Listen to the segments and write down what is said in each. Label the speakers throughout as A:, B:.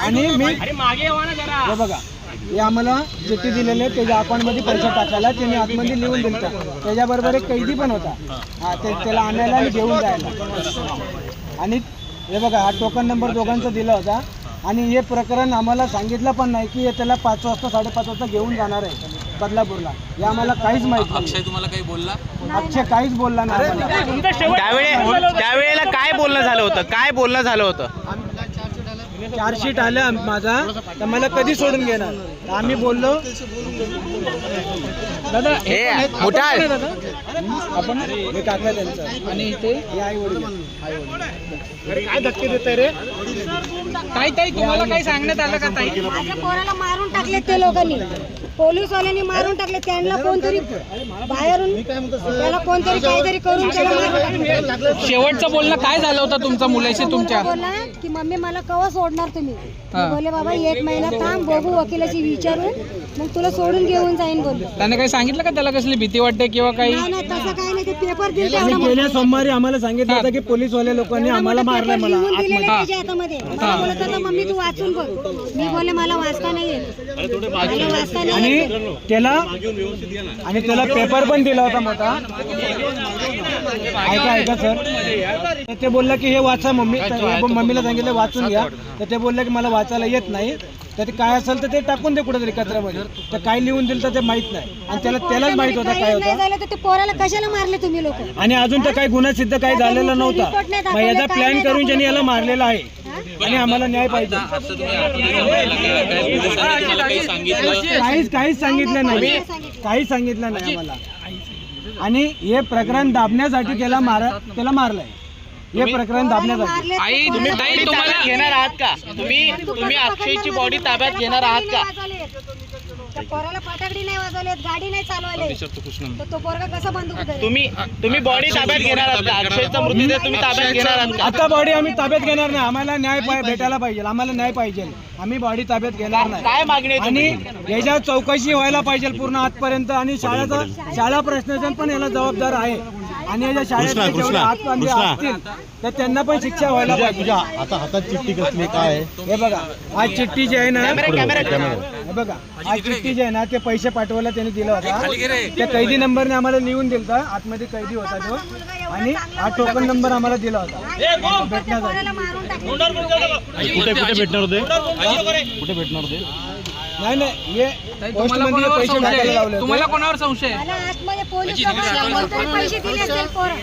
A: आणि मी हे बघा, हे आम्हाला चिठ्ठी दिलेले त्याच्या अकाउंटमध्ये पैसे टाकायला त्यांनी आतमध्ये लिहून दिलता. त्याच्याबरोबर एक कैदी पण होता, त्याला आणायला आणि घेऊन जायला. आणि हे बघा, हा टोकन नंबर दोघांचा दिला होता. आणि हे प्रकरण आम्हाला सांगितलं पण नाही की त्याला 5 वाजता 5:30 वाजता घेऊन जाणार आहे बदलापूरला. हे आम्हाला काहीच माहिती नाही.
B: अक्षय तुम्हाला काही बोलला?
A: अक्षय काहीच बोलला नाही आम्हाला.
C: त्यावेळेला काय बोलणं झालं होतं? काय बोलणं झालं होतं?
A: चार्जशीट आलं माझा, तर मला कधी सोडून घेणार? आम्ही बोललो दादा
C: हे मुठाळ
A: आपण हे काका त्यांचं आणि इथे हे आई वडील काय धक्के देत रे?
D: ताई तुम्हाला काही सांगण्यात आलं का ताई?
E: माझ्या पोराला मारून टाकले ते लोकांनी, पोलीसवाल्यांनी मारून टाकले. त्यांना कोणतरी बाहेरून त्याला कोणतरी काहीतरी करून त्याला मारून टाकले.
D: शेवटचं बोलणं काय झालं होतं तुमच्या मुलाशी तुमच्या?
E: बोलला की मम्मी मला कवा सोडणार तुम्ही? बोले बाबा 1 महिना थांब, बघू वकिलाशी विचारून मग तुला सोडून घेऊन जाईन बोलले.
D: त्याने काही सांगितलं का त्याला कसली भीती वाटते किंवा काही?
E: नाही नाही तसं काही नाही. ते पेपर दिले
A: आणि गेल्या सोमवारी आम्हाला सांगितलं होतं की पोलीसवाले लोकांनी आम्हाला मारलं. मला
E: त्याच्या हातामध्ये मला बोलत होता मम्मी तू वाचून बघ. मी बोले मला वाचता नाही येत, मला वाचता नाही
A: आणि
E: येत.
A: त्याला पेपर पण दिला होता मोठा. ऐका सर, ते बोलला की हे वाचा मम्मी. मम्मीला सांगितलं वाचून घ्या, तर ते बोललं की मला वाचायला येत नाही. तर ते काय असेल तर ते टाकून दे कुठेतरी कचऱ्यामध्ये. तर काय लिहून दिलं तर ते माहित नाही. आणि त्यालाच माहित होतं काय होतं.
E: झालं तर ते पोराला कशाला मारले तुम्ही लोक?
A: आणि अजून तर काही गुन्हा सिद्ध काही झालेला नव्हता. मग याचा प्लॅन करून ज्यांनी याला मारलेला आहे आणि आम्हाला न्याय पाहिजे. काहीच सांगितलं नाही, काहीच सांगितलं नाही आम्हाला. आणि हे प्रकरण दाबण्यासाठी त्याला मारलंय. हे प्रकरण दाबण्यासाठी.
C: आई तुम्हाला घेणार आहात का? तुम्ही अक्षयची बॉडी ताब्यात घेणार आहात का?
E: पोराला फटाकडी नाही वाजवलेत, गाडी नाही चालवले, तर तो पोरगा कसा बंदूक धरेल?
C: तुम्ही बॉडी ताब्यात घेणार आहात का? अक्षयचा मृतदेह तुम्ही ताब्यात घेणार आहात का?
A: आता बॉडी आम्ही ताब्यात घेणार नाही. आम्हाला न्याय भेटायला पाहिजे. आम्हाला न्याय पाहिजे. आम्ही बॉडी ताब्यात घेणार नाही.
C: काय मागणी आहे
A: आणि याच्या चौकशी व्हायला पाहिजे पूर्ण आजपर्यंत. आणि शाळा प्रशासन पण याला जबाबदार आहे. आणि याच्या शाळेत जेवढे हातबंदी असतील तर त्यांना पण शिक्षा व्हायला पाहिजे.
F: आता हातात चिठ्ठी कसली काय?
A: हे बघा, आज चिठ्ठी जी आहे ना, हे बघा, आज चिठ्ठी जी आहे ना, ते पैसे पाठवायला त्यांनी दिला होता. त्या कैदी नंबरने आम्हाला लिहून दिलता. आतमध्ये कैदी होता तो. आणि हा टोकन नंबर आम्हाला दिला होता भेटण्यासाठी.
E: पोराला मारून टाकले.
F: कुठे भेटणार होते? कुठे भेटणार होते?
A: नाही हे
D: तुम्हाला
A: पोस्टमध्ये
D: कोणावर
A: पैसे
D: संशय
A: टाकायला
D: आहे?
A: लावले
D: तुम्हाला
A: होते.
D: कोणावर संशय आहे?
E: मला आतमध्ये पोलीस लोकांना कोणतरी पैसे दिले असेल पोरं.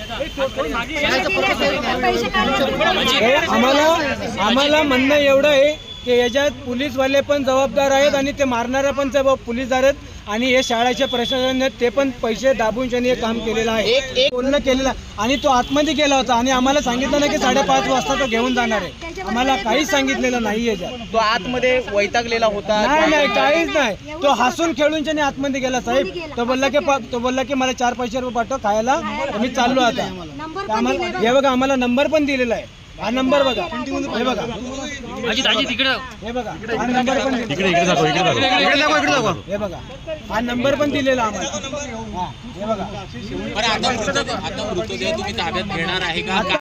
E: पैसे काढले.
A: हे आम्हाला म्हणणं एवढं आहे की याच्यात पोलीसवाले पण जबाबदार आहेत आणि ते मारणारे पण पोलीसदार आहेत. आणि हे शाळेच्या प्रशासनाने ते पण पैसे दाबून त्यांनी हे काम केलेलं आहे. बोलणं केलेलं आहे. आणि तो आतमध्ये गेला होता आणि आम्हाला सांगितलं ना की 5:30 वाजता तो घेऊन जाणार आहे. आम्हाला काहीच सांगितलेलं नाही याच्यात.
C: तो आतमध्ये वैतागलेला होता?
A: नाही काहीच नाही. तो हसून खेळून त्याने आतमध्ये गेला. साहेब तो बोलला की मला 4 पैसे रुपये पाठव खायला, तर मी चाललो आता. आम्हाला हे बघा, आम्हाला नंबर पण दिलेला आहे. हा नंबर बघा, हे बघा, हे बघा, हा नंबर पण हे बघा, हा नंबर पण दिलेला आम्हाला. हा हे बघा.
B: आता मृतदेह तुम्ही ताब्यात घेणार आहे का?